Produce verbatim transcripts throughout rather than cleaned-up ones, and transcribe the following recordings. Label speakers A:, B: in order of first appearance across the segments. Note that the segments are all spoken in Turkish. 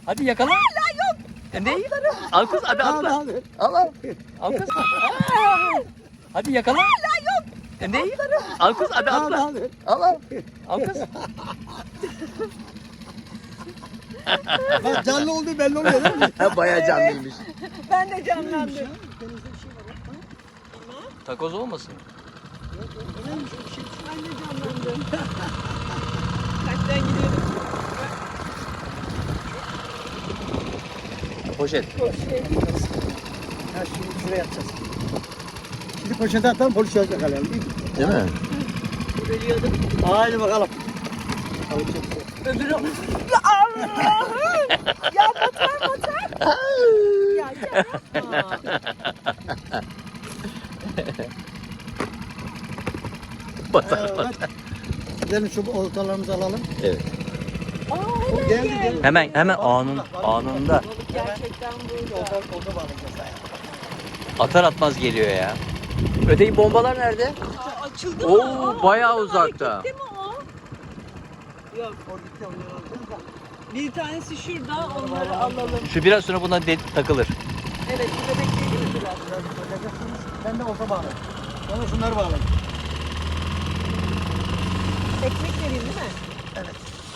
A: Hadi yakala.
B: Hala yok.
A: E, ne? Al kız hadi atla.
C: Al,
A: Al al. Al kız. Hadi yakala.
B: Hala yok.
A: E, ne? Al kız hadi
C: al,
A: atla.
C: al.
A: Al al. Al kız.
C: Bak canlı olduğu belli oluyor değil mi?
A: Bayağı canlıymış.
B: Ben de canlandım.
C: Denizde bir şey var. Ha?
A: Takoz olmasın?
C: Neymiş o şey?
B: Ben de canlandım. Kaçtan gidiyorum?
A: Poşet.
B: Poşet.
C: Ha şimdi şuraya atacağız. Şimdi poşete atalım polis yakalayalım.
A: Değil mi?
B: Bölüyordum.
C: Haydi bakalım.
B: Öbürü... Ya Allah'ım! Ya batar batar. Ya yapma.
A: Batar.
C: Evet. Gidelim şu oltalarımızı alalım.
A: Evet.
B: Aa
C: O
B: hemen
C: geldi
B: gel.
C: geldi.
A: Hemen hemen anın anında.
B: Balık gerçekten burada.
C: Olta, olta bağlayacağız.
A: Atar atmaz geliyor ya. Öteki bombalar nerede?
B: Aa, açıldı
A: Oo,
B: mı? Aa,
A: bayağı
B: oradan
A: uzakta.
B: hareketli mi o? Yok.
C: O gitti onu alacağız da.
B: Bir tanesi şurada, onları alalım.
A: Şu biraz sonra buna de- takılır.
B: Evet, şurada bekleyelim mi biraz?
C: Biraz söyleyeceksiniz. Ben de olta bağlayayım. Sonra şunları bağlayayım.
B: Ekmek vereyim değil mi?
C: Evet.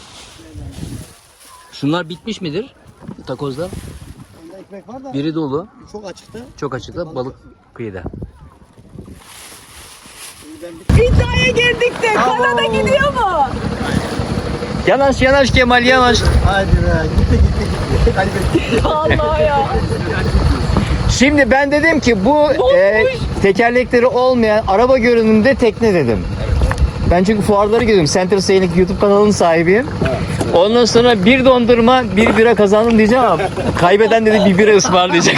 A: Şunlar bitmiş midir? Takozlar.
C: Onda ekmek var da
A: Biri dolu.
C: çok açıkta.
A: Çok açıkta balık kıyıda.
C: Şimdi ben bir...
B: İddiaya girdik de Kanada gidiyor mu?
A: Yanaş yanaş Kemal yanaş.
C: Haydi be gitti gitti gitti. Kaybettik.
B: Allah ya.
A: Şimdi ben dedim ki bu e, tekerlekleri olmayan araba görünümde tekne dedim. Ben çünkü fuarları görüyorum. Center Sailing YouTube kanalının sahibiyim. Ondan sonra bir dondurma, bir bira kazandım diyeceğim ama kaybeden dedi bir bira ısmarlayacak.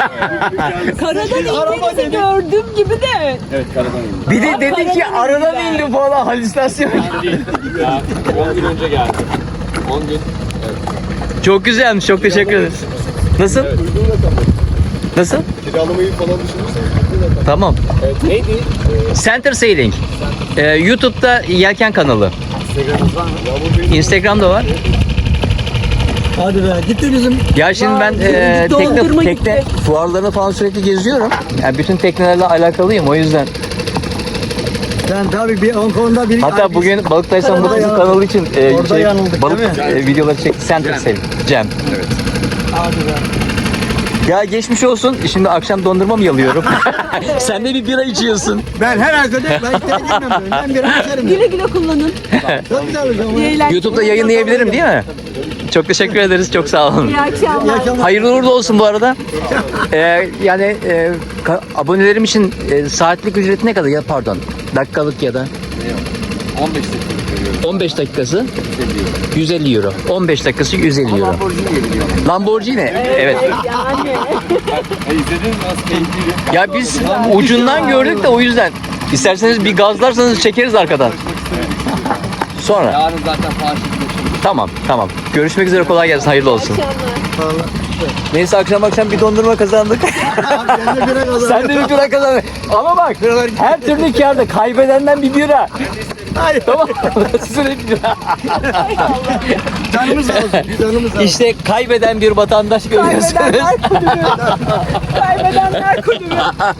B: Karadan indiğinizi gördüm gibi de.
D: Evet, karadan indi.
A: Bir de dedi ki aradan indi falan halüsinasyon.
D: Ya, on gün önce geldi. on gün.
A: Çok güzelmiş. Çok teşekkür ederiz. Nasıl?
D: Evet, uygun rakam.
A: Nasıl?
D: Kiralamayı falan düşünürseniz uygun rakam.
A: Tamam.
D: Evet, neydi? Ee,
A: Center Sailing. Ee, YouTube'da Yelken kanalı.
D: Instagram'ınız var mı? Yağmur Bey'in
A: Instagram'da var.
C: Hadi be gitti bizim.
A: Ya şimdi ben
B: Vay,
A: e,
B: gitti,
A: tekne,
B: dondurma
A: tekne
B: gitti.
A: fuarlarına falan sürekli geziyorum. Yani bütün teknelerle alakalıyım o yüzden.
C: Ben tabii bir on konuda bir...
A: Hatta bugün Balıktaysam
C: Orada
A: Balık
C: yanıldık.
A: kanalı için e,
C: Orada yanıldık,
A: balık
C: değil mi?
A: e, videoları çekti. Center Sailing. Cem.
D: Evet.
C: Hadi be.
A: Ya geçmiş olsun. Şimdi akşam dondurma mı yalıyorum? Sen de bir bira içiyorsun.
C: Ben herhalde de ben içeri girmem böyle. Ben bir açarım.
B: Güle güle kullanın.
C: Çok güzel hocam.
B: İyi eğlenceler.
A: YouTube'da yayınlayabilirim değil mi? Çok teşekkür ederiz. Çok sağ olun.
B: İyi
C: İyi
B: akşamlar.
C: akşamlar.
A: Hayırlı uğurlu olsun bu arada. Ee, yani e, ka- abonelerim için e, saatlik ücreti ne kadar ya pardon dakikalık ya da
D: on beş dakika veriyorum.
A: on beş dakikası
D: yüz elli euro.
A: yüz elli euro. on beş dakikası yüz elli euro.
D: Lamborghini geliyor.
A: Lamborghini. Evet.
B: Yani.
D: E, izlediniz mi? Nasıl keyifliydi?
A: Ya biz ucundan gördük de o yüzden. İsterseniz bir gazlarsanız çekeriz arkadan. Sonra.
D: Yarın zaten Paris'te.
A: Tamam tamam. Görüşmek üzere kolay gelsin. Hayırlı olsun.
B: Akşamlar.
A: Neyse akşam akşam bir dondurma kazandık.
C: Abi ben de bire kazandım.
A: Sen de bir bira kazandın. Ama bak her türlü kârda kaybedenden bir bira.
C: Hayır.
A: Tamam. Sizin hep bira.
C: Canımız olsun. Canımız olsun.
A: İşte kaybeden bir vatandaş görüyorsunuz.
B: Kaybedenler kulübü. Kaybedenler kulübü.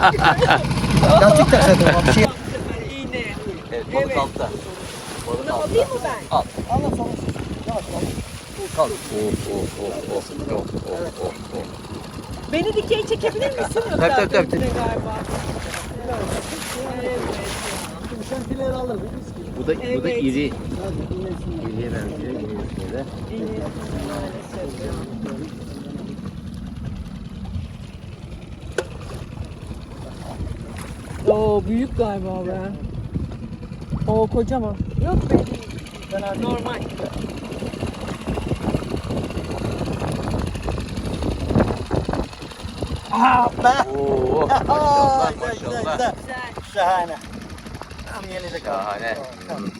C: Lastik tak zaten. Bir şey.
B: İğne.
A: Evet, balık altta.
B: Bunu alayım mı ben?
A: Al.
C: Allah sana. Yavaş yavaş.
A: Kal. Oh, oh, oh, oh, oh, oh, oh, oh.
B: Beni dikey çekebilir misin?
A: Tabii, tabii, tabii.
B: Özellikle galiba. Evet.
C: Şimdi sen fileleri alır.
A: Bu da, bu da
B: Evet.
A: iri.
C: Hadi iyileşsin.
A: İriye benziyor. İri de.
B: İğne maalesef. Oo büyük galiba be. Oo kocaman. Yok be. Normal.
C: Aa be.
A: Oo,
C: Aa,
A: maşallah,
C: güzel, güzel,
A: maşallah.
C: güzel.
B: Güzel.
C: Şahane. Tam yenecek.
A: Şahane.
C: Tamam.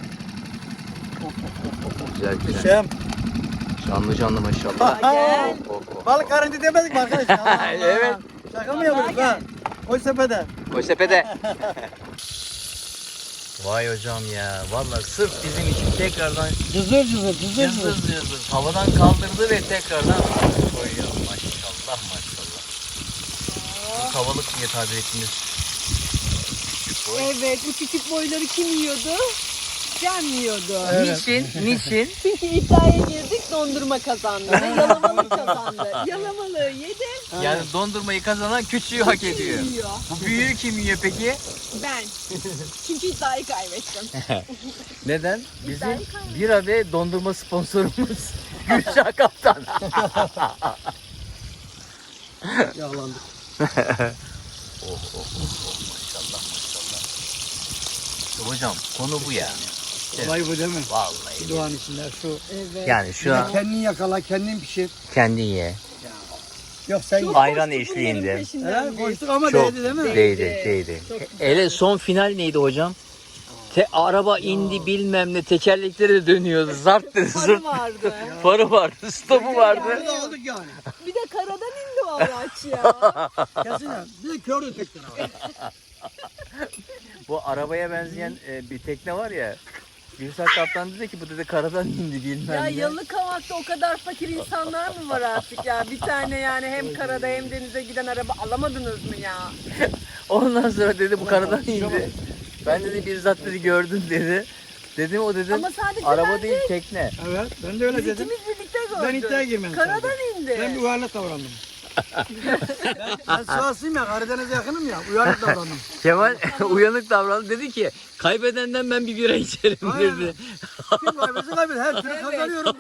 A: Güzel güzel.
C: Şem.
A: Canlı canlı maşallah.
B: Gel.
A: Oh, oh.
C: Balık karınca demedik mi arkadaşlar? Allah Allah.
A: Evet.
C: Şaka mı yapıyoruz ha? Koy sepete.
A: Koy sepete. Vay hocam ya. Vallahi sırf bizim için tekrardan
C: Cızır cızır cızır
A: cızır cızır havadan kaldırdı ve tekrardan koyuyor. Maşallah maşallah. Bu tavalık diye tabir ettiğimiz küçük boy.
B: Evet, bu küçük boyları kim yiyordu? Can yiyordu.
A: Niçin? Niçin?
B: Çünkü iddiaya girdik, dondurma kazandı. Ve yalamalı kazandı. Yalamalığı yedi,
A: Yani dondurmayı kazanan küçüğü hak ediyor.
B: yiyor.
A: Bu büyüğü kim yiyor peki?
B: Ben. Çünkü iddiayı kaybettim.
A: Neden? Bizim
B: İddiayı kaybettim.
A: bira ve dondurma sponsorumuz Gülşah Kaptan.
C: Yağlandık.
A: Oh oh oh oh maşallah maşallah. İşte hocam konu bu ya.
C: Olay bu değil mi?
A: Vallahi.
C: Doğanın içinde şu.
B: Evet.
A: Yani şu an
C: Kendin yakala, kendin pişir.
A: kendin ye.
C: Yok sen
B: Çok
C: ye.
A: Ayran
B: koştuk
A: eşliğinde.
B: bunların peşinden
C: He,
B: biz.
C: koştuk ama
A: Çok
C: değdi değil mi?
A: değdi değdi.
B: Çok
A: Hele son final neydi hocam? Te, araba indi bilmem ne tekerlekleri de dönüyordu. Zart dedi
B: Farı
A: zırt.
B: vardı.
A: Farı vardı, stopu vardı.
C: Burada aldık yani.
B: Bir de karadan indi o araç ya.
C: Kesin ya. Bir de kördü tekrar.
A: Bu arabaya benzeyen e, bir tekne var ya. Gülşah Kaptan dedi ki bu dedi karadan indi bilmem
B: Ya
A: ne.
B: Yalıkavak'ta o kadar fakir insanlar mı var artık ya? Bir tane yani hem karada hem denize giden araba alamadınız mı ya?
A: Ondan sonra dedi bu karadan indi. Ben dedi bizzat dedi gördüm dedi. Dedim o dedim
B: Ama sadece
A: araba
B: ben
A: değil
B: değil.
A: tekne.
C: Evet ben de öyle
B: Biz
C: dedim.
B: ikimiz birlikte gördük.
C: Ben iddiaya girmem.
B: Karadan indi.
C: Ben bir uyarlı davrandım. ben, ben Sivaslıyım ya, Karadeniz'e yakınım ya. Uyarlı davrandım.
A: Kemal uyanık davrandı dedi ki kaybedenden ben bir bira içerim
C: Aynen.
A: dedi.
C: Kim kaybetse kaybeder. Her türlü
B: Evet.
C: kazanıyorum.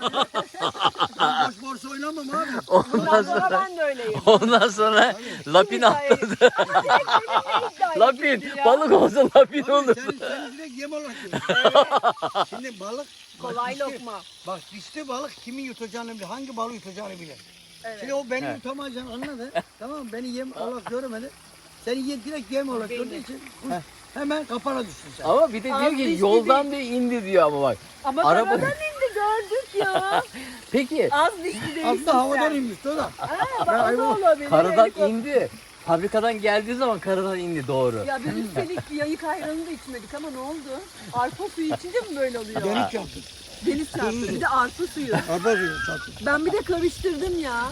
C: Ben boş borsa oynamam abi.
A: Ondan
B: Bundan sonra
A: sonra
B: ben de öyleyim.
A: ondan sonra lapin
B: İddiaya-
A: attırdı.
B: Direkt benimle iddiaya
A: Lapin
B: girdi ya.
A: balık olsa lapin
C: Abi
A: olur.
C: sen, sen direkt yem olarak görüyorsun. Şimdi balık
B: Kolay
C: bak, dişli-
B: lokma.
C: Bak dişli balık kimin yutacağını bilir. Hangi balığı yutacağını bilir.
B: Evet.
C: Şimdi o beni
A: Evet.
C: yutamayacağını anladı. Tamam mı? Beni yem olarak görmedi. Seni ye, direkt yem olarak
B: Beni.
C: gördüğü için kuş hemen kafana düştün sen.
A: Ama bir de
B: Az
A: diyor ki
B: dişli
A: yoldan diyor indi diyor ama bak.
B: Ama
A: Araba-
B: karadan indi gördük ya.
A: Peki
B: Az dişli değilsin
C: Aslında havadan
B: sen.
C: inmişti o da.
B: Ha, bak o da olabilir.
A: karadan
B: Helikopter-
A: indi. Fabrikadan geldiği zaman karadan indi doğru.
B: Ya biz üstelik yayık ayranı da içmedik ama ne oldu? Arpa suyu içince mi böyle oluyor?
C: Deniz yaptın.
B: Deniz çarptı. Bir de arpa suyu.
C: Arpa suyu çarptın.
B: Ben bir de karıştırdım ya.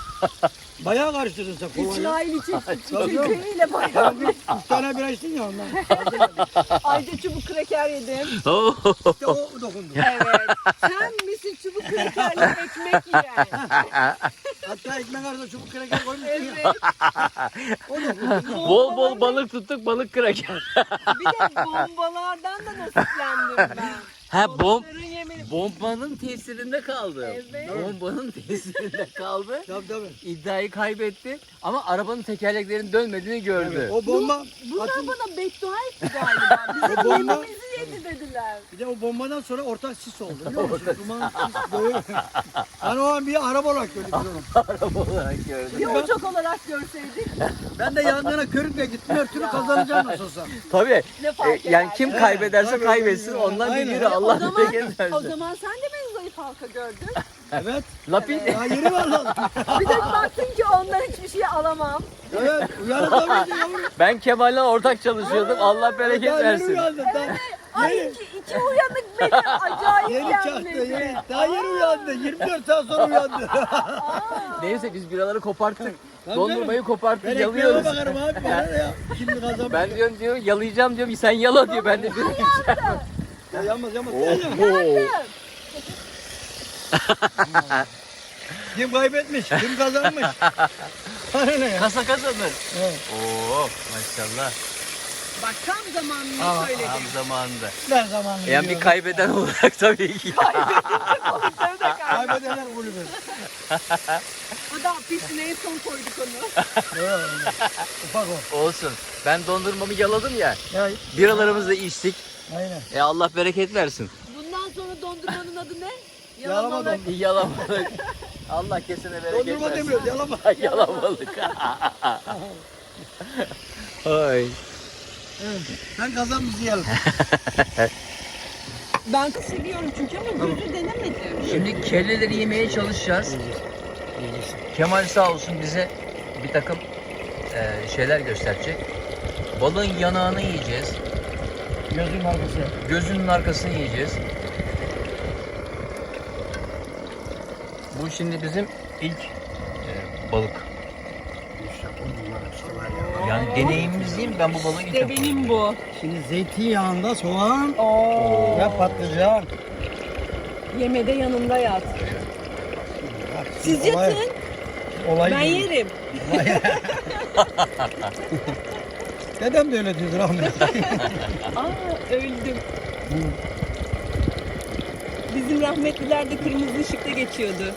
C: Bayağı karıştırdın sen kolayla.
B: İsrail için
C: Tabii.
B: çekreğiyle bayağı.
C: Bir üç tane bira içtin ya ondan.
B: Ayrıca çubuk kreker yedim.
C: İşte o dokundu.
B: Evet. Sen misin çubuk krekerle ekmek yiyen?
C: Hatta ekmek arasında çubuk kreker koymuşsun ya.
B: Evet.
C: O dokundu.
A: Bol bol balık tuttuk balık kraker.
B: Bir de bombalardan da nasiplendim ben.
A: Ha bom
B: Balıkların yemini.
A: bombanın tesirinde kaldı.
B: Evet.
A: Bombanın tesirinde kaldı.
C: Tabii tabii.
A: İddiayı kaybetti ama arabanın tekerleklerinin dönmediğini gördü.
C: O bomba
B: Bunlar
C: atın-
B: bana beddua etti galiba.
C: O
B: Bizim
C: bomba-
B: yemimizi yedi dediler.
C: Bir de o bombadan sonra ortak sis oldu. Biliyor musun? Duman sis böyle. Hani o an bir araba olarak gördük biz onu.
A: Araba olarak gördü.
B: Bir uçak olarak görseydik
C: Ben de yanlarına körükle gittim. Her türlü kazanacağım nasıl olsa.
A: Tabii.
B: ne fark
A: E, yani
B: eder?
A: kim
C: Evet,
A: kaybederse
C: tabii,
A: kaybetsin
C: tabii.
A: ondan bir
C: Aynen.
A: biri
B: O
A: Allah
B: zaman,
A: bereket
B: o
A: versin.
B: zaman sen de beni zayıf halka gördün.
C: Evet.
A: Lapin
C: Daha yeni var lan.
B: Bir de baktın ki ondan hiçbir şey alamam.
C: Evet. Uyanık tabii ki yavrum.
A: ben Kemal'le ortak çalışıyordum. Allah bereket
C: Daha yeni
A: versin.
C: uyandı. Daha
B: Ay
C: yeni.
B: iki, iki uyanık beni acayip
C: Yeni çaktı.
B: yenmedi.
C: Yeni. Daha yeni uyandı. yirmi dört saat sonra uyandı.
A: Neyse biz biraları koparttık.
C: Tabii
A: Dondurmayı
C: Ben
A: koparttık
C: ekmeğime
A: yalıyoruz.
C: bakarım abi. Bana ne ya? Şimdi kazanmış.
A: Ben diyorum diyor yalayacağım diyorum sen yala diyor ben de diyorum.
C: Ya yanmaz yanmaz.
A: Oo.
C: Kim kaybetmiş? Kim kazanmış? Bana ne ya?
A: Kasa kazanır.
C: Evet.
A: Oo maşallah.
B: Bak tam zamanını
C: Aa,
B: söyledim.
A: Tam zamanında.
C: Ver zamanını.
A: Yani bir
C: biliyorum.
A: kaybeden olarak tabii ki.
B: Balıkları da kaybettim.
C: Kaybedenler kulübü.
B: O da pisine en son koyduk onu.
C: Evet. Ufak o.
A: Olsun. Ben dondurmamı yaladım ya.
C: Ya,
A: Biralarımızı da içtik.
C: aynen.
A: E Allah bereket versin.
B: Bundan sonra dondurmanın adı ne?
C: Yalama
B: Yalamalık.
C: dondurma.
A: Yalamalık. Allah kesene bereket
C: Dondurma
A: versin.
C: demiyoruz yalama.
A: Yalamalık. Ay.
C: Sen kazan bizi yiyelim.
B: Ben seviyorum çünkü ama gözü denemedim.
A: Şimdi kelleleri yemeye çalışacağız. Kemal sağ olsun bize bir takım e, şeyler gösterecek. Balığın yanağını yiyeceğiz.
C: Gözün arkası.
A: Gözünün arkasını yiyeceğiz. Bu şimdi bizim ilk e, balık.
C: İşte bunlar işte var ya.
A: Yani deneyimimiz değil mi? Ben bu balığı ilk
B: İşte
A: defa.
B: benim bu.
C: Şimdi zeytinyağında soğan
B: Oo.
C: ve patlıcan.
B: Yemede yanımda yat.
C: Bak,
B: Siz
C: olay-
B: yatın,
C: Olay
B: ben
C: değil.
B: yerim.
C: Dedem de öyle diyordu rahmetli.
B: Aa öldüm. Bizim rahmetliler de kırmızı ışıkta geçiyordu.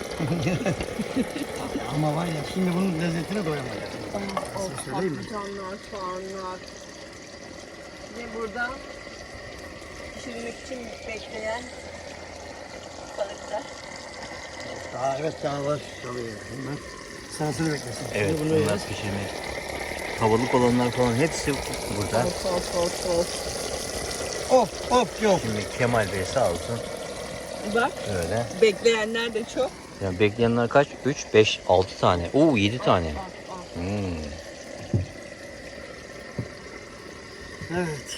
C: Ama var ya şimdi bunun lezzetine doyamayız.
B: Of
C: söyleyeyim mi?
B: patlıcanlar, soğanlar. Ve burada pişirmek için bekleyen balıklar.
C: Daha evet daha var. Tabii. Bunlar sırasını beklesin.
A: Evet,
C: Şimdi bunu
A: bunlar
C: yiyeceğiz.
A: pişirmek. Havalık olanlar falan hepsi burada.
B: Of of of of.
C: Of of yok.
A: Şimdi Kemal Bey sağ olsun.
B: Bak
A: Öyle.
B: bekleyenler de çok.
A: Yani bekleyenler kaç? üç, beş, altı tane. Oo yedi tane.
B: Al, al.
A: Hmm.
C: Evet.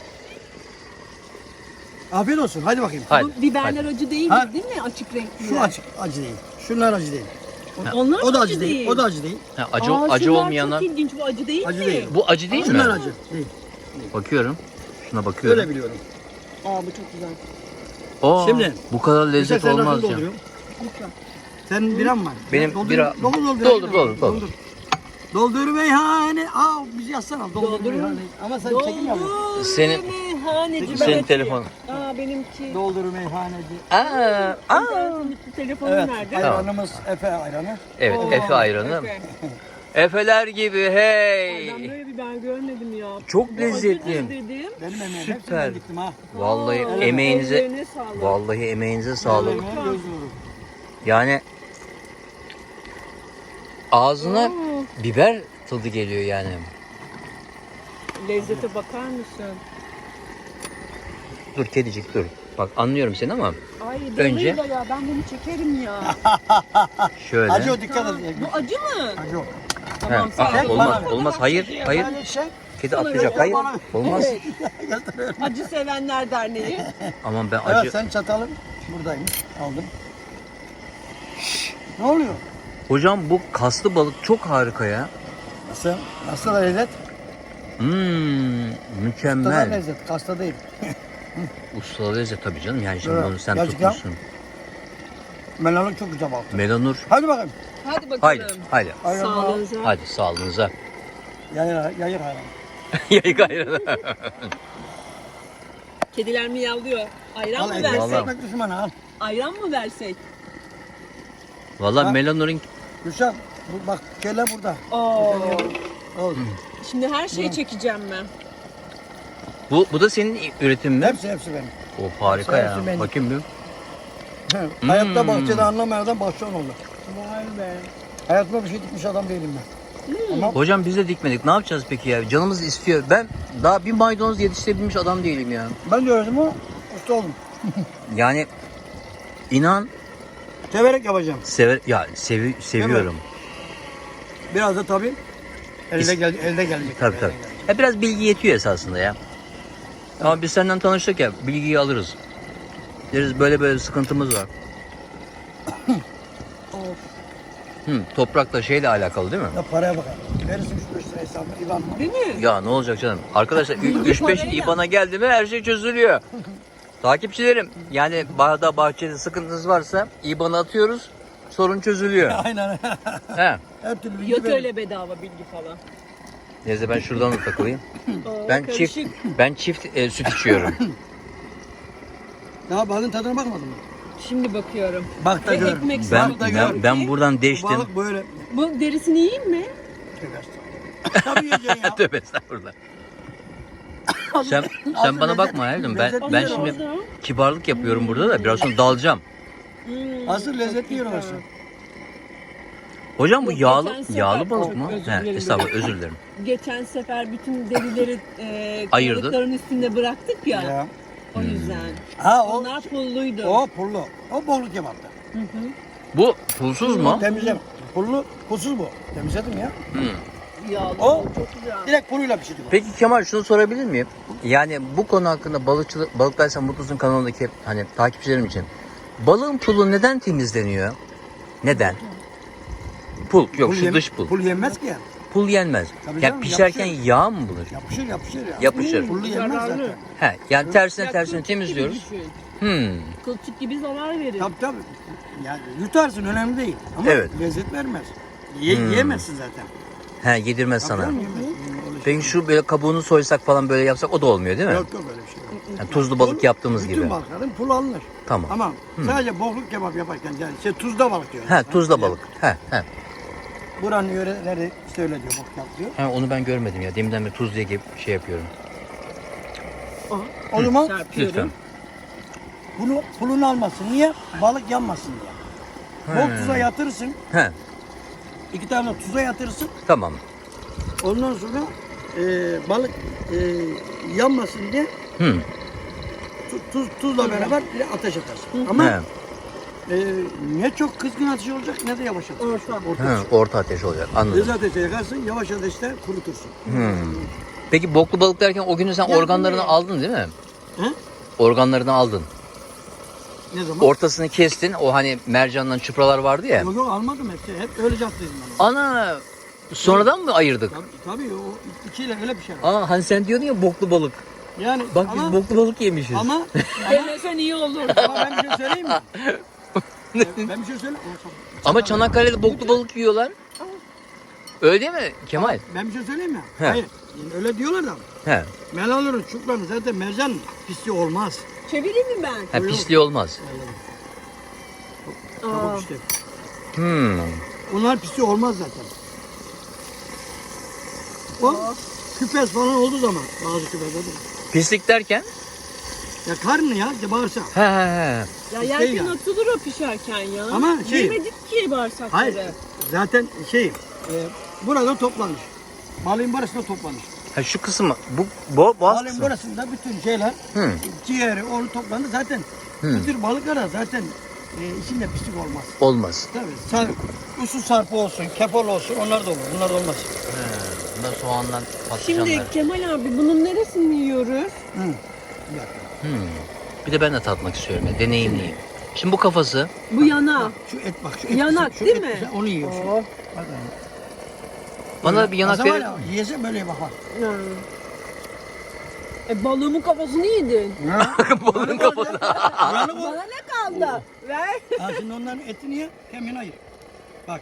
C: Afiyet olsun. Hadi bakayım.
A: Hadi.
B: Bu biberler acı değil
C: Ha?
B: mi? Değil mi? Açık renkli.
C: Şu acı, acı değil. Şunlar acı değil.
B: Onlar
C: O da
B: acı
C: acı değil. O da acı değil.
A: Ha, acı
B: Aa,
A: acı
B: şunlar
A: olmayanlar.
B: Çok ilginç, bu acı değil
C: Acı
B: mi?
C: değil.
A: Bu acı değil
C: Şunlar
A: mi?
C: acı değil.
A: Bakıyorum. Şuna bakıyorum.
C: Öyle biliyorum.
B: Aa bu çok güzel.
A: Aa,
C: Şimdi-
A: bu kadar lezzet
C: Sen nasıl
A: olmaz ya.
C: dolduruyorsun?
B: Lütfen.
C: Senin biran var.
A: Benim
C: Doldur,
A: bira-
C: Doldur doldur.
A: Doldur, doldur, doldur.
C: Doldur meyhane. Aa bizi yazsana. Doldur,
B: Doldur.
C: meyhane. Ama sen çekim yapıyorsun.
B: Doldur
A: Senin-
B: meyhaneci.
A: Senin
B: Ben
A: telefon.
B: açayım. Aa benimki.
C: Doldur meyhaneci.
A: Aa, aa.
B: İnternetin telefonu
C: Evet.
B: nerede?
C: Ayranımız Efe ayranı.
A: Evet,
B: Oo,
A: Efe ayranı.
B: Efe.
A: Efeler gibi
B: Ay,
A: hey.
B: ben böyle bir ben görmedim ya.
A: Çok
B: Bu
A: lezzetli.
B: acıdır dedim.
C: Benim emeğim.
A: Süper.
C: Hepsinden gittim ha.
A: Vallahi
B: Aa,
A: emeğinize
B: ellerine sağlık.
A: vallahi emeğinize sağlık.
C: Emeğime göz nuru.
A: Yani ağzına
B: Aa,
A: biber tadı geliyor yani.
B: lezzete bakar mısın?
A: Dur kedicik dur. Bak anlıyorum seni ama
B: Ay
A: Önce-
B: balıyla ya ben bunu çekerim ya.
A: şöyle.
C: Acı o dikkat
B: Ha,
C: et.
B: bu acı mı?
C: Acı o.
B: Tamam
A: Ha,
B: sağ
A: aa,
B: ol.
A: olmaz olmaz hayır hayır.
C: Böyle şey.
A: Kedi atlayacak hayır. Olmaz.
B: Evet. Acı Sevenler Derneği.
A: Aman ben
C: Evet
A: acı.
C: sen çatalın buradaymış. Aldım. Ne oluyor?
A: Hocam bu kaslı balık çok harika ya.
C: Nasıl? Nasıl da lezzet?
A: Hmm,
C: Kastada
A: mükemmel.
C: lezzet. Kasta değil.
A: Usta lezzet tabii canım. Yani şimdi
C: Evet,
A: bunu sen
C: gerçekten.
A: tutmuşsun.
C: Melanın çok güzel balık.
A: Melanur.
C: Hadi bakalım.
B: Hadi bakalım.
A: Haydi haydi.
C: Ayran al.
B: Sağlığınıza.
A: Hadi sağlığınıza.
C: Yayır, yayır hayran.
A: Yayık ayranı.
B: Kediler miyavlıyor. Ayran
C: Al
B: mı
C: ekmek,
B: versek?
A: Vallahi.
C: ekmek düşmanı al.
B: Ayran mı versek?
A: Valla
C: Ha?
A: Melanur'un
C: Gülşen bu, bak kelle burada.
B: Oo.
C: Al.
B: Şimdi her şeyi çekeceğim ben.
A: bu bu da senin üretimin mi?
C: Hepsi hepsi benim.
A: O harika
C: Hepsi
A: ya.
C: benim.
A: Bakayım bir.
C: Hayatta
A: Hmm.
C: bahçede anlamayan adam bahçıvan oldu.
B: Vay be.
C: Hayatımda bir şey dikmiş adam değilim ben. Ama
A: Hocam biz de dikmedik. Ne yapacağız peki ya? Canımız istiyor. Ben daha bir maydanoz yetiştirebilmiş adam değilim ya.
C: ben de öğrendim ama usta oldum.
A: Yani inan
C: Severek yapacağım.
A: sever ya sevi, seviyorum.
C: Biraz da tabii elde
A: İs-
C: gel elde gelecek.
A: Tabii
C: Elde
A: tabii.
C: gelecek.
A: Ya biraz bilgi yetiyor esasında ya. Ama biz senden tanıştık ya, bilgiyi alırız. Deriz böyle böyle sıkıntımız var.
B: Of.
A: Hı, toprakla şeyle alakalı değil mi?
C: Ya paraya bakar. Verirsin şu beş lira hesabını İvan mı?
B: Değil mi?
A: Ya ne olacak canım? Arkadaşlar
B: Bilgi
A: üç beş
B: parayla.
A: İBAN'a geldi mi her şey çözülüyor. Takipçilerim yani bağda bahçede sıkıntınız varsa İBAN'a atıyoruz, sorun çözülüyor.
C: Aynen.
A: He.
C: Her türlü bilgi
B: Yok
C: verir.
B: öyle bedava bilgi falan.
A: Neyse ben şuradan da takılayım.
B: Oo,
A: Ben
B: karışık.
A: çift ben çift e, süt içiyorum.
C: Daha balığın tadına bakmadın mı?
B: Şimdi bakıyorum.
C: Bak da
B: Ve
C: gör.
B: ekmek
A: Ben
B: sarıp da
A: ben,
B: gör
A: ben
B: ki,
A: buradan
C: Bu
A: değiştim.
C: balık böyle.
B: Bu derisini yiyeyim mi?
C: Tabii yiyeceksin ya.
A: Tövbe estağfurullah. Sen sen bana bakma hayatım. Ben
C: lezzet
A: ben
C: yiyor
A: şimdi
B: orada.
A: kibarlık yapıyorum burada da biraz sonra dalacağım.
B: Hmm,
C: Asıl lezzetli
B: çok
C: yiyor
B: güzel.
C: orası.
A: Hocam bu
B: Yok,
A: yağlı
B: geçen sefer-
A: yağlı balık
B: Çok
A: mı?
B: özür
A: He,
B: dilerim.
A: estağfurullah özür dilerim.
B: Geçen sefer bütün derileri e,
A: Ayırdın.
B: kayalıkların üstünde bıraktık ya.
C: Ya.
B: O yüzden.
C: Ha o
B: Onlar pulluydu.
C: o pullu. O bolluk kebaptı.
B: Hı hı.
A: Bu pulsuz mu?
C: Temizlem. Pullu, pulsuz bu. Temizledim ya.
A: Hmm.
B: yağlı.
C: O
B: Çok güzel.
C: direkt kuruyla pişirdik.
A: Peki Kemal şunu sorabilir miyim? Yani bu konu hakkında balıkçılık, Balıktaysan Mutlusun kanalındaki hani takipçilerim için. Balığın pulu neden temizleniyor? Neden? Pul, yok
C: Pul
A: şu
C: yem-
A: dış pul.
C: Pul yenmez ki.
A: Pul yenmez.
C: Tabii
A: Yani
C: canım,
A: pişerken
C: yapışır.
A: yağ mı bulur?
C: Yapışır yapışır ya.
A: Yapışır.
C: Pullu yenmez
B: Zararlı.
C: zaten.
A: He, yani tersine
B: Ya
A: tersine
B: kılçık gibi
A: temizliyoruz.
B: düşün.
A: Hmm.
B: Kılçık gibi zarar verir.
C: Tabii tabii. Yani yutarsın önemli değil. Ama
A: Evet.
C: lezzet vermez. Ye,
A: Hmm.
C: Yiyemezsin zaten.
A: He, yedirmez sana.
C: Tabii canım, yemezsin. Öyle şey
A: Peki şu böyle kabuğunu soysak falan böyle yapsak o da olmuyor değil mi?
C: Yok yok öyle bir şey yok.
A: Yani tuzlu balık yaptığımız
C: Bütün
A: gibi.
C: Bütün balıkların pulu alınır.
A: Tamam.
C: Ama sadece bokluk kebap yaparken yani şey tuzda balık diyor.
A: He, tuzla balık. He, he.
C: Buranın yöreleri işte öyle diyor bokluk yap diyor.
A: He, onu ben görmedim ya. Deminden beri tuz diye gibi şey yapıyorum.
C: O zaman
B: Çarpıyorum.
A: Lütfen.
C: bunu pulunu almasın. Niye? Balık yanmasın diye. Bol tuza yatırırsın.
A: He,
C: İki tane tuza yatırırsın.
A: tamam.
C: Ondan sonra e, balık e, yanmasın diye
A: Hı.
C: tu- tuz, tuzla beraber bir de ateş atarsın. Ama
A: He.
C: e, ne çok kızgın ateş olacak ne de yavaş ateş.
B: Orta.
C: Orta
A: He,
C: ateş.
A: orta ateş olacak. Anladım.
C: Hızlı ateşe yakarsın, yavaş ateşte kurutursun.
A: Hmm. Peki boklu balık derken o günü sen
C: Ya
A: organlarını
C: bu ne?
A: aldın değil mi?
C: He?
A: Organlarını aldın.
C: Ne zaman?
A: Ortasını kestin. O hani mercandan çıpralar vardı ya.
C: Yok yok almadım hepsi. Hep öyle yaptıydım ben onu.
A: Ana sonradan mı ayırdık?
C: Tabii, tabii o ikiyle öyle bir şey var.
A: Aa hani sen diyordun ya boklu balık.
C: Yani
A: Bak
C: ama,
A: biz boklu balık yemişiz.
C: ama,
B: Demesen iyi olur.
C: ama ben bir şey söyleyeyim mi? Ben bir şey söyleyeyim.
A: Ama Çanakkale'de boklu balık yiyorlar. Öyle değil mi Kemal?
C: Ben bir şey söyleyeyim mi?
A: He.
C: Hayır. Yani öyle diyorlar da.
A: He.
C: Melalurun, çupranın zaten mercan pisliği olmaz.
B: Çevireyim mi ben?
A: Ha, pisliği olmaz.
B: Aa,
C: Kabuk işte.
A: Hmm.
C: Onlar pisliği olmaz zaten. O küpes falan olduğu zaman bazı küpeslerde.
A: Pislik derken?
C: Ya karnı ya bağırsak.
A: He he he.
B: ya
C: Şey
B: yerken
C: ya.
B: atılır o pişerken ya.
C: Ama şey-
B: Yemedik ki bağırsakları.
C: Hayır. Zaten şey e, burada toplanır. Balığın burasında toplanır.
A: Ha, şu kısmı bu bo boğaz
C: Balığın
A: kısmı.
C: burasında bütün şeyler
A: Hı.
C: ciğeri onu toplanır. Zaten
A: Hı.
C: bu tür balıklara zaten e, içinde pislik olmaz.
A: Olmaz.
C: Tabii. Sar, usul sarpı olsun, kefal olsun onlar da olur. Bunlar da olmaz.
A: He. Bunlar soğandan patlıcanlar.
B: Şimdi Kemal abi bunun neresini yiyoruz?
C: Hı. Bir dakika.
A: Hmm. Bir de ben de tatmak istiyorum ya. Deneyimleyeyim. Şimdi bu kafası.
B: Bu yana.
C: Şu et bak şu et.
B: Yanak,
C: şu
B: değil
C: et
B: mi?
C: güzel, onu yiyorsun.
B: Oh.
C: Bak,
A: Bana da bir yanak
C: verir.
A: verir.
C: Yiyese böyle bak bak.
B: Ya. E balığımın kafasını yedin.
A: Balığın kafası.
C: Yani bu.
B: Bana ne kaldı? Ver.
C: Ha şimdi onların etini ye, kemiğini ayır. Bak,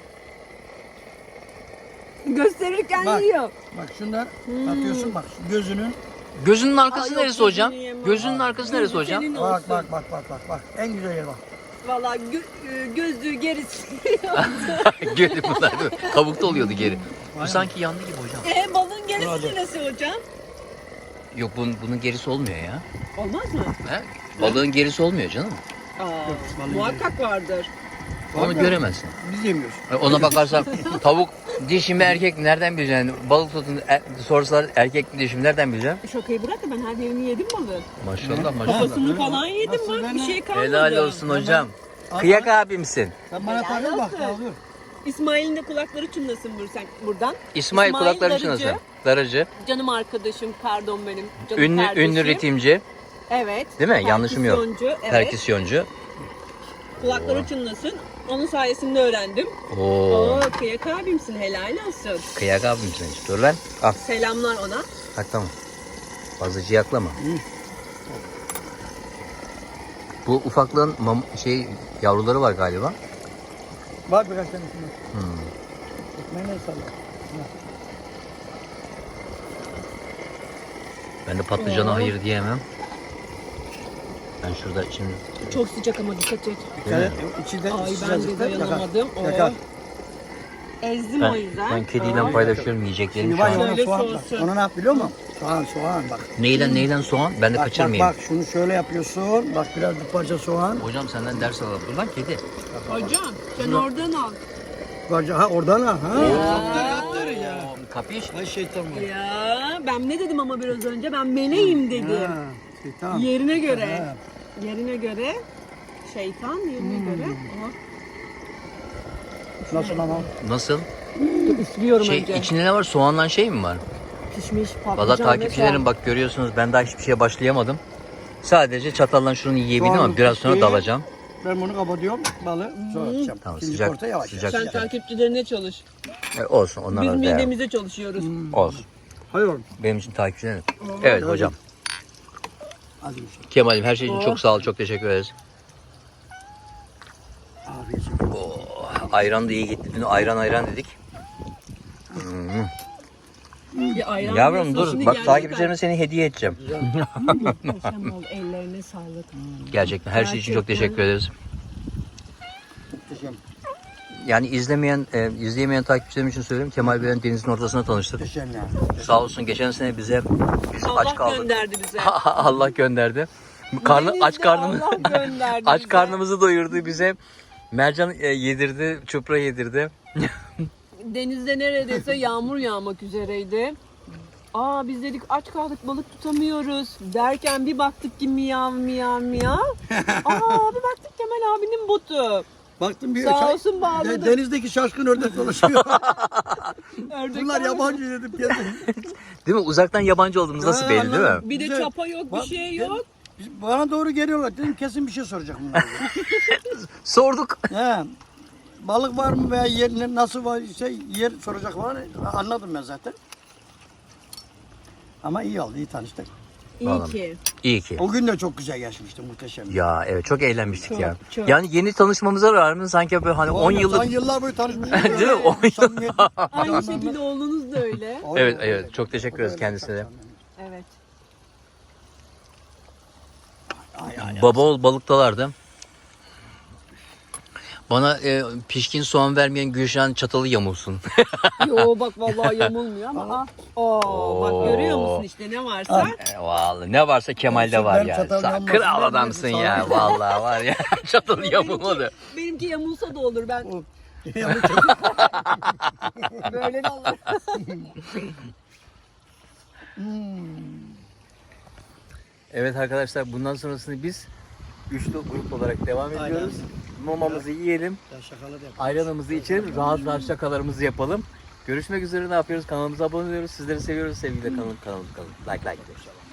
B: Gösterirken
C: Bak.
B: yiyor.
C: bak şundan
B: Hmm.
C: atıyorsun bak şu gözünün.
A: Gözünün arkası
B: Aa, yok,
A: neresi hocam?
B: gözünü yemem.
A: Gözünün arkası neresi
B: Gözü
A: hocam?
B: senin
C: Bak
B: olsun.
C: bak bak bak bak bak. En güzel yer bak.
B: Valla gö- e, gözlüğü gerisi.
A: Geri bunlar değil mi? Kabukta oluyordu geri. Bu sanki yandı gibi hocam.
B: e balığın gerisi
C: Hadi.
B: neresi hocam?
A: Yok bunun, bunun gerisi olmuyor ya.
B: Olmaz mı?
A: He? Balığın gerisi olmuyor canım.
B: Aa,
C: balığın
B: muhakkak vardır.
A: Onu
C: Var da
A: göremezsin.
C: Biz yemiyoruz.
A: Ona bakarsan tavuk dişi mi erkek mi nereden bileceksin? Balık tutun er, sorsalar erkek mi dişi mi nereden bileceksin?
B: Şakayı bırak da ben her yerini yedim balığın.
A: Maşallah maşallah.
B: Kafasını falan yedim
C: Nasıl
B: bak
C: ben
B: bir
C: de-
B: şey kalmadı.
A: Helal olsun hocam.
C: Ama-
A: Kıyak abimsin.
C: Sen bana
B: Helal
C: takıl bak.
B: olsun.
C: Kaldır.
B: İsmail'in de kulakları çınlasın buradan. buradan.
A: İsmail, kulakları
B: Darıcı,
A: çınlasın. Darıcı.
B: Canım arkadaşım, pardon benim. Canım
A: Ünlü,
B: kardeşim.
A: ünlü ritimci.
B: Evet.
A: Değil mi? Yanlışım yok.
B: Perküsyoncu, Evet.
A: Perküsyoncu.
B: Kulakları çınlasın. Onun sayesinde öğrendim.
A: Oo.
B: Oo, kıyak abimsin, helal olsun.
A: Kıyak abimsin. Dur lan. Al.
B: Selamlar ona.
A: Bak tamam. Fazla ciyaklama. Bu ufaklığın mam- şey yavruları var galiba.
C: Var birkaç tane şundan.
A: Hmm.
C: Ekmeğine salla.
A: Ben de patlıcana
B: Oo.
A: hayır diyemem. Ben şurada şimdi
B: Çok sıcak ama dikkat et.
C: Dikkat et. İçi de
B: Ay ben de
C: sıcacıkta yakar.
B: dayanamadım. Oo.
C: Yakar.
B: Ezdim
A: ben,
B: o yüzden.
A: ben kediyle
B: Aa.
A: paylaşıyorum yiyeceklerini
C: Şimdi
A: şu
C: var ya
A: an.
C: ona
B: Şöyle
C: soğan bak.
B: soğusun.
C: Ona ne yap biliyor musun? Soğan soğan bak.
A: Neyden neyden soğan? Ben de
C: Bak bak
A: kaçırmayayım.
C: bak şunu şöyle yapıyorsun. Bak biraz bir parça soğan.
A: Hocam senden ders alalım. Dur lan kedi.
B: Hocam sen oradan al.
C: Parça ha oradan ha. ha.
B: Ya.
A: Oo, Kapış.
C: Ay şeytan var.
B: Ya ben ne dedim ama biraz önce? Ben meleğim dedim.
C: Ha, şeytan.
B: Yerine göre.
C: Ha.
B: Yerine göre. Şeytan yerine
C: Hmm.
B: göre. Aha.
C: Nasıl ama?
A: Nasıl?
B: Üflüyorum
A: Şey,
B: önce.
A: içinde ne var? Soğandan şey mi var?
B: Pişmiş patlıcan
A: Valla
B: ve
A: takipçilerim
B: soğan.
A: bak görüyorsunuz ben daha hiçbir şeye başlayamadım. Sadece çatallan şunu yiyebildim
C: Soğanın
A: ama biraz sonra
C: piştiği-
A: dalacağım.
C: Ben bunu kapatıyorum. Balı sonra atacağım.
A: Tamam,
C: İkinci
A: sıcak-
C: porta yavaş
A: sıcak-
C: yavaş.
B: Sen takipçilerine çalış.
A: E, olsun onlar
B: Biz
A: da değer.
B: midemize çalışıyoruz.
A: Olsun.
C: Hayır oğlum.
A: Benim için takipçilerim. Evet hocam.
C: Hadi bir şey.
A: Kemal'im her şey için çok sağ ol. Çok teşekkür ederiz.
C: Afiyet olsun.
A: Oh, ayran da iyi gitti. Dün ayran ayran dedik.
B: Bir ayran
A: Yavrum
B: diyorsun,
A: dur
B: şimdi
A: bak
B: geldi
A: takipçilerime seni hediye edeceğim.
B: Muhteşem oldu. Ellerine sağlık.
A: Gerçekten her şey için çok
B: Gerçekten.
A: teşekkür ederiz.
C: Muhteşem.
A: Yani izlemeyen, e, izleyemeyen takipçilerim için söyleyeyim. Kemal Bey'in denizin ortasında tanıştık.
C: Muhteşem ya.
A: Sağ olsun geçen sene bize biz
B: Allah
A: aç kaldık.
B: gönderdi bize.
A: Allah gönderdi. Karnı aç
B: Denizde
A: karnımız
B: Allah gönderdi
A: aç
B: bize.
A: karnımızı doyurdu bize. Mercan e, yedirdi, çupra yedirdi.
B: Denizde neredeyse yağmur yağmak üzereydi. Aa biz dedik aç kaldık balık tutamıyoruz derken bir baktık ki miyav miyav miyav. Aa bir baktık Kemal abinin botu.
C: Baktım bir
B: Sağ
C: şey-
B: olsun bağladı.
C: de- denizdeki şaşkın ördek dolaşıyor.
B: Ördek
C: Bunlar
B: var.
C: yabancı dedim kendim.
A: Değil mi? Uzaktan yabancı olduğumuz nasıl
C: Ha,
A: belli değil mi?
C: anladım.
B: Bir de
C: Güzel.
B: çapa yok bir
C: Bak,
B: şey
C: ben-
B: yok.
C: Biz- Bana doğru geliyorlar. Dedim kesin bir şey soracak bunlar.
A: Sorduk.
C: He. Balık var mı veya yer ne- nasıl var şey yer soracak var. Anladım ben zaten. Ama iyi oldu, iyi tanıştık.
B: İyi
A: Vallahi.
B: ki.
A: İyi ki.
C: O gün de çok güzel geçmişti, muhteşem.
A: Ya evet çok eğlenmiştik
B: Çok,
A: ya.
B: çok.
A: Yani yeni tanışmamıza rağmen sanki böyle hani on
C: Son
A: yıllık.
C: yıllar boyu tanışmıştık.
A: Değil mi? On yıl.
C: Samimiyet-
B: Aynı şekilde oğlunuz da öyle.
A: Evet evet çok teşekkür ederiz kendisine de.
B: Evet.
C: Ay, ay, ay.
A: Baba oğul balıktalardı. Bana e, pişkin soğan vermeyen Gülşen çatalı yamulsun.
B: Yo bak vallahi yamulmuyor ama ah. Oo, bak görüyor musun işte ne varsa.
A: E, vallahi ne varsa Kemal'de var
C: Ben
A: ya.
C: çatal
A: Sen
C: yanmasın
A: kral
C: diye
A: adamsın
C: dedim,
A: ya.
C: sağ ol.
A: Vallahi var ya. Çatalı yamulmadı.
B: Benimki yamulsa da olur ben
C: Ya bu çok-
B: böyle de olur.
A: Evet arkadaşlar bundan sonrasını biz üçlü grup olarak devam ediyoruz. Momamızı yiyelim.
C: Ya şakalar da yapalım.
A: Ayranımızı içelim. Rahat rahat şakalarımızı yapalım. Görüşmek üzere ne yapıyoruz? Kanalımıza abone oluyoruz. Sizleri seviyoruz. Sevgiyle kalın. Kanalımıza kalın. Like like.